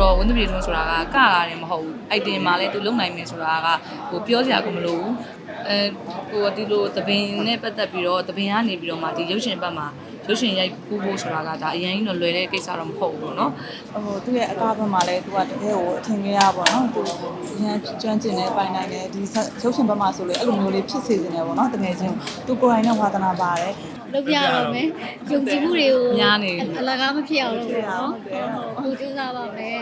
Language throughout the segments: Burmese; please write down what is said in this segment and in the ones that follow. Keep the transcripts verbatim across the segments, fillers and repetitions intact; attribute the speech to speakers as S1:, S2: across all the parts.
S1: ဝန်သူပြည်တွန်းဆိုတာကကလာတယ်မဟုတ်ဘူးအိုက်တင်မှာလဲသူလုံနိုင်မယ်ဆိုတာကဟိုပြောစရာကိုမလိုဘူးအဲဟိုဒီလိုသပင်နဲ့ပတ်သက်ပြီးတော့သပင်ကနေပြီးတော့မှဒီရုပ်ရှင်ဘက်မှာရုပ်ရှင်ရိုက်ကူးဖို့ဆိုတာကဒါအရင်ကြီးတော့လွယ်တဲ့ကိစ္စတော့မဟုတ်ဘူးเนาะဟိုသူ့ရဲ့အကားဘက်မှာလဲသူကတကယ်ကိုအထင်ကြီးရပါတော့သူအရင်ကျွမ်းကျင်နေပိုင်နိုင်တယ်ဒီရုပ်ရှင်ဘက်မှာဆိုလေအဲ့လိုမျိုးလေးဖြစ်စေနေတယ်ပေါ့เนาะတကယ်ချင်းသူကိုယ်တိုင်နဲ့ဝါသနာပါတယ်
S2: လုပ်ပြရတော့မယ်ယုံကြည်မှုတွေကိုများနေအလကားမဖြစ်အောင်လုပ်ရအောင်ဟိုကြိုးစားပါမယ်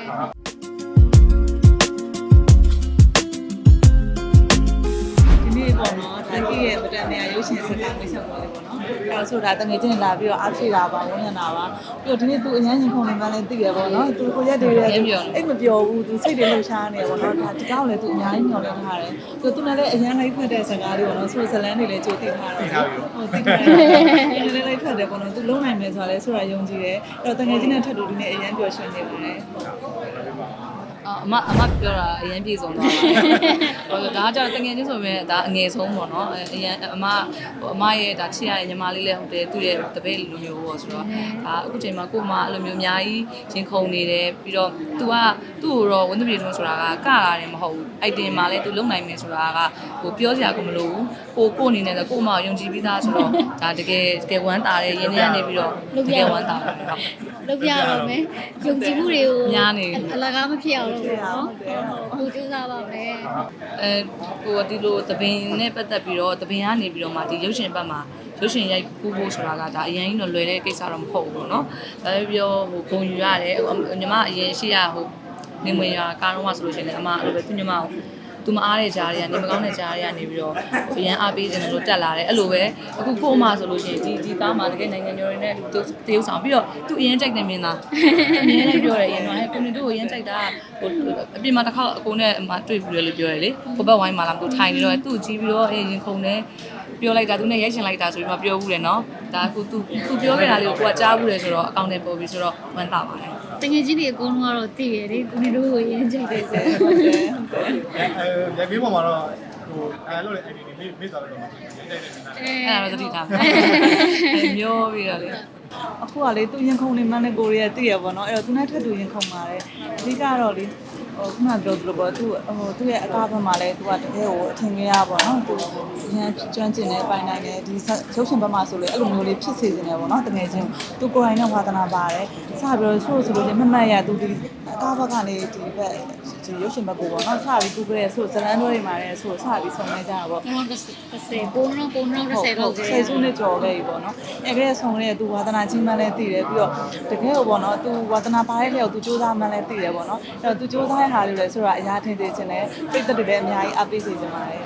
S1: ဒီနေ့ပေါ့နော်ဒါကြီးရဲ့ဗတန်နေရာရုပ်ရှင်စကားလေးချက်ပေါ်လေးပေါ့နော်အဲဆိုတာတငယ်ချင်းလာပြီးတော့အားဖြည့်တာပါဝန်ရနာပါပြီးတော့ဒီနေ့သူအရန်ရင်ခုန်နေမှလည်းသိရပေါ့နော်သူကိုရက်တွေရဲ့အိတ်မပြောဘူးသူစိတ်တွေလှုပ်ရှားနေပေါ့နော်ဒါဒီကောင်းလည်းသူအများကြီးညှော်လင်းထားတယ်သူသူလည်းအရန်လိုက်ဖတ်တဲ့စကားလေးပေါ့နော်ဆိုဇလန်တွေလည်းကြိုသိထားတော့ဟိုသိထားတယ်ဒီလေးလိုက်ဖတ်တယ်ပေါ့နော်သူလုံးနိုင်မယ်ဆိုတာလည်းဆိုတာယုံကြည်တယ်အဲ့တော့တငယ်ချင်းနဲ့ထပ်တူဒီနေ့အရန်ပျော်ရွှင်နေပါတယ်အမအမပြောတာအရင်ပြေဆုံးသွားတယ်ဒါကကြောင့်တငယ်ချင်းဆိုပေမဲ့ဒါအငယ်ဆုံးပေါ့နော်အရင်အမအမရဲ့ဒါချစ်ရတဲ့ညီမလေးလည်းဟုတ်တယ်သူ့ရဲ့တပည့်လိုမျိုးပေါ့ဆိုတော့ဒါအခုချိန်မှာကို့မအဲ့လိုမျိုးအများကြီးရင်ခုန်နေတယ်ပြီးတော့ तू ကသူ့ကိုတော့ဝန်သူပြည်တွန်းဆိုတာကကလာတယ်မဟုတ်ဘူးအိုက်တင်မှာလည်း तू လုံနိုင်မယ်ဆိုတာကဟိုပြောစရာကိုမလိုဘူးကိုကိုအနေနဲ့ဆိုကို့မယုံကြည်ပြီးသားဆိုတော့ဒါတကယ်တကယ်ဝမ်းသာတယ်ရင်းနှီးကနေပြီးတော့တကယ်ဝမ်းသာတယ်ဟုတ်
S2: လုပ်ပြရတော့မယ်ယုံကြည်မှုတွေကိုများနေအလကားမဖြစ်အောင်လုပ်ရအောင်ဟိုကြိုးစားပါမယ်
S1: အဲဟိုဒီလိုသပင်နဲ့ပတ်သက်ပြီးတော့သပင်ကနေပြီးတော့မှဒီရုပ်ရှင်ဘက်မှာရုပ်ရှင်ရိုက်ကူးဖို့ဆိုတာကဒါအရင်ကြီးတော့လွယ်တဲ့ကိစ္စတော့မဟုတ်ဘူးเนาะဒါပေပြောဟိုဂုံယူရတယ်ညီမအရင်ရှိရဟိုနေမွေရကားတော့မှဆိုလို့ရှိရင်လည်းအမအဲ့လိုပဲသူညီမကိုသူမအားတဲ့ကြားတွေကနေမကောင်းတဲ့ကြားတွေကနေပြီးတော့ရန်အားပေးနေလို့တက်လာတယ်အဲ့လိုပဲအခုကို့အမဆိုလို့ရှိရင်ဒီဒီကားမှာတကယ်နိုင်ငံကျော်တွေနဲ့တရုပ်ဆောင်ပြီးတော့သူအရင်ကြိုက်တယ်မင်းသားအမြဲတမ်းပြောတယ်အရင်ကကိုနေတို့ကိုအရင်ကြိုက်တာဟိုအပြင်မှာတစ်ခါအကိုနဲ့အမတွေ့ပြီးရလို့ပြောတယ်လေဟိုဘက်ဝိုင်းမှာလာသူထိုင်နေတော့သူ့ကြည့်ပြီးတော့အေးရင်ခုန်တယ်ပြောလိုက်တာသူနဲ့ရိုက်ရှင်လိုက်တာဆိုပြီးမှပြောဘူးတယ်နော်ဒါအခုသူသူပြောခဲ့တာလေးကိုကိုကကြားဘူးတယ်ဆိုတော့အကောင့်နဲ့ပို့ပြီးဆိုတော့ဝမ်းသာပါတယ်
S2: တကယ်ကြီးတွေအကုန်လုံးကတော့သိရလေကိုနေတို့ကိုရင်းကြိုက်တယ်ဆို
S3: ဟုတ်တယ်ဟုတ်တယ်အဲဘေးပေါ်မှာတော့ဟိုအဲလို့လေ I D တွေမေ့သွားလို့တော့ရိုက်တယ်နေတာ
S1: အဲ့ဒါတော့သတိထားမယ်မျိုးပြီးတော့လေအခုကလေသူရင်ခုန်နေမှန်းနဲ့ကိုရီးယားသိရပါတော့အဲ့တော့သူနဲ့ထပ်တူရင်ခုန်ပါတယ်အဓိကတော့လေဟိုခုနပြောသလိုပေါ့သူဟိုသူ့ရဲ့အကားဘက်မှာလဲသူကတကယ်ကိုအထင်ကြီးရပါတော့သူအရင်ကျွမ်းကျင်နေပိုင်နိုင်တယ်ဒီရုပ်ရှင်ဘက်မှာဆိုလေအဲ့လိုမျိုးလေးဖြစ်စေနေတယ်ပေါ့နော်တကယ်ချင်းသူကိုယ်တိုင်နဲ့ဝါသနာပါတယ်စပြီးတော့ဆိုဆိုလို့ချင်းမမှတ်ရသူဒီအကားဘက်ကနေဒီဘက်ဒီရုပ်ရှင်ဘက်ကိုပေါ့နော်စပြီးသူကလေးဆိုဇလန်တို့တွေမှာလဲဆိုစပြီးဆုံးနေကြတာပေါ့
S2: ကျွန်တော်တစ်ဆယ်ပုံတော့ပုံတော့တစ်ဆယ်လောက်
S1: ဆယ်စုနှစ်ကျော်ခဲ့ပြီပေါ့နော်အဲ့ကလေးဆုံးလေးသူဝါသနာချင်းမှန်းလဲသိတယ်ပြီးတော့တကယ်ကိုပေါ့နော်သူဝါသနာပါတဲ့လျောက်သူစူးစမ်းမှန်းလဲသိတယ်ပေါ့နော်အဲ့တော့သူစူးစမ်းဟာလို့လဲဆိုတာအရာထင်သေးခြင်းနဲ့ပိတ်သက်တွေလည်းအများကြီးအပိတ်စေချင်ပါတယ်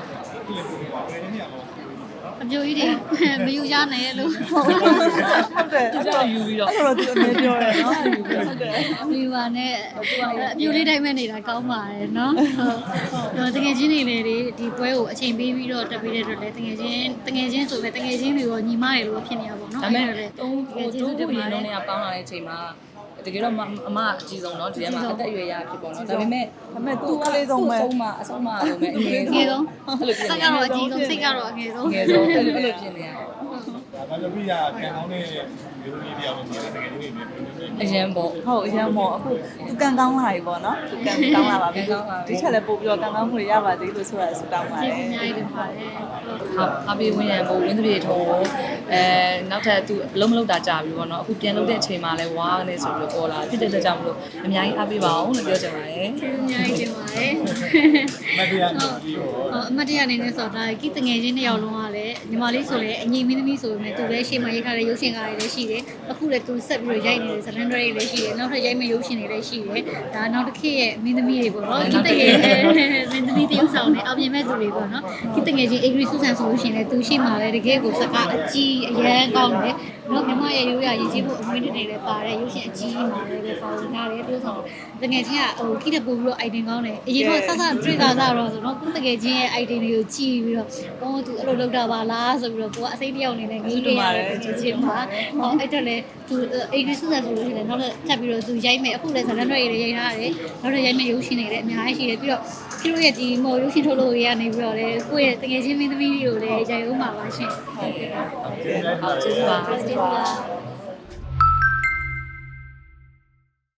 S2: အပြိုကြီးတွေမယူရနိုင်ရဲ့လို့
S1: ဟုတ်တယ်အဲ့ဒါယူပြီးတော့အဲ့တော့သူအမြဲပြောတယ်နော်ယူပြီးဟုတ်တယ်
S2: အပြိုပါနဲ့အပြိုလေးတိုင်းမဲ့နေတာကောင်းပါတယ်နော်ဟုတ်တကယ်ချင်းတွေလည်းဒီပွဲကိုအချိန်ပေးပြီးတော့တက်ပေးတဲ့အတွက်လည်းတကယ်ချင်းတကယ်ချင်းဆိုပဲတကယ်ချင်းတွေရောညီမတွေလို့ဖြစ်နေရပါတော့နော်
S1: အဲ့ဒါလည်းတုံးဟိုတူးဘူးရင်လုံးနဲ့ပေါင်းလာတဲ့အချိန်မှာတကယ်တော့အမအကြီးဆုံးเนาะဒီထဲမှာအသက်အရွယ်ရဖြစ်ပေါ့เนาะဒါပေမဲ့ဒါပေမဲ့သူကလေးဆုံးပဲအဆုံးမအဆုံးမလို့မဲ့အငယ်
S2: ဆုံးအဲ့လိုပြင်နေတယ်စိတ်ကတော့အကြီးဆုံးစိတ်ကတော့အငယ်ဆုံး
S1: အငယ်ဆုံးအဲ့လိုအဲ့လိုပြင်နေရတယ်
S3: ဒါဘာလို့ပြရကံကောင်းတဲ့မျိုးကြီးတရားလို့ဆိုတာတကယ်ကြီးနေ
S1: အရင်ပေါ့ဟုတ်အရင်ပေါ့အခုသူကံကောင်းလာပြီပေါ့နော်သူကံကောင်းလာပါပြီဒီချက်လည်းပို့ပြီးတော့ကံကောင်းမှုတွေရပါသေးလို့ဆိုတာဆုတောင်းပါတယ်
S2: အများကြီးတင်ပါတယ်
S1: ဟုတ်အပေးဝင်ရပုံဝင်းတပြေထုံးအဲနောက်ထပ်သူအလုံးမလုံးတာကြာပြီပေါ့နော်အခုပြန်လုပ်တဲ့အချိန်မှာလဲဝါးနေဆိုပြီးတော့ပေါ်လာဖြစ်တဲ့အတွက်ကြောင့်မလို့အများကြီးအားပေးပါအောင်လို့ပြောချင်ပါတယ်
S2: အများကြီးတင်ပါတယ်
S3: မတရားနေပြီးတော့
S2: အမတရားနေနေဆိုတာကိတငယ်ချင်းတစ်ယောက်လုံးကလည်းညီမလေးဆိုလည်းအငြိမင်းသမီးဆိုပေမဲ့သူလည်းရှေ့မှာရိုက်ထားတဲ့ရုပ်ရှင်ကားတွေလည်းရှိတယ်အခုလည်းသူဆက်ပြီးတော့ရိုက်နေတဲ့ဇလန်ဒရီတွေလည်းရှိတယ်နောက်ထပ်ရိုက်မယ့်ရုပ်ရှင်တွေလည်းရှိတယ်ဒါနောက်တစ်ခေတ်ရဲ့မင်းသမီးတွေပေါ့နော်ကိတငယ်မင်းသမီးတယောက်ဆောင်နဲ့အပြင်မဲ့သူတွေပေါ့နော်ကိတငယ်ချင်းအေဂရီဆူဆန်ဆိုလို့ရှိရင်လည်းသူရှေ့မှာလည်းတကယ်ကိုစကားအကြီးအရန်ကောင်းတယ်နော်မြမရဲ့ရိုးရာရည်ကြီးမှုအမွေးတွေလည်းပါတယ်ရုပ်ရှင်အကြီးမှာလည်းပါဝင်ထားတယ်သူဆောင်တကယ်ချင်းကဟိုခိတဲ့ပို့ပြီးတော့ item ကောင်းတယ်အရင်ကစစတွေ့တာကတော့ဆိုတော့ကိုတကယ်ချင်းရဲ့ item တွေကိုကြည့်ပြီးတော့ဟောသူအဲ့လိုလုပ်တာပါလားဆိုပြီးတော့ကိုကအစိမ့်တယောက်အနေနဲ့ငေးနေရတယ်ကြည့်ချင်းမှာဟောအဲ့တော့လေသူအေဂရီဆူဆန်ဆိုလို့ရှိရင်နောက်ထပ်ပြီးတော့သူရိုက်မယ်အခုလည်းဇလန်တွေတွေရိုက်ထားတယ်နောက်ထပ်ရိုက်မယ်ရုပ်ရှင်တွေလည်းအများကြီးရှိတယ်ပြီးတော့သူတို့ရဲ့ဒီမော်ရုပ်ရှင်ထုတ်လို့ရနေပြီးတော့လေကိုယ့်ရဲ့တကယ်ချင်းမင်းသမီးတွေကိုလည်းရိုက်ဦးမှာပါရှင်ဟုတ်ကဲ့
S1: ဟုတ်ကဲ့ကျေးဇူးပါကျေးဇူးပါ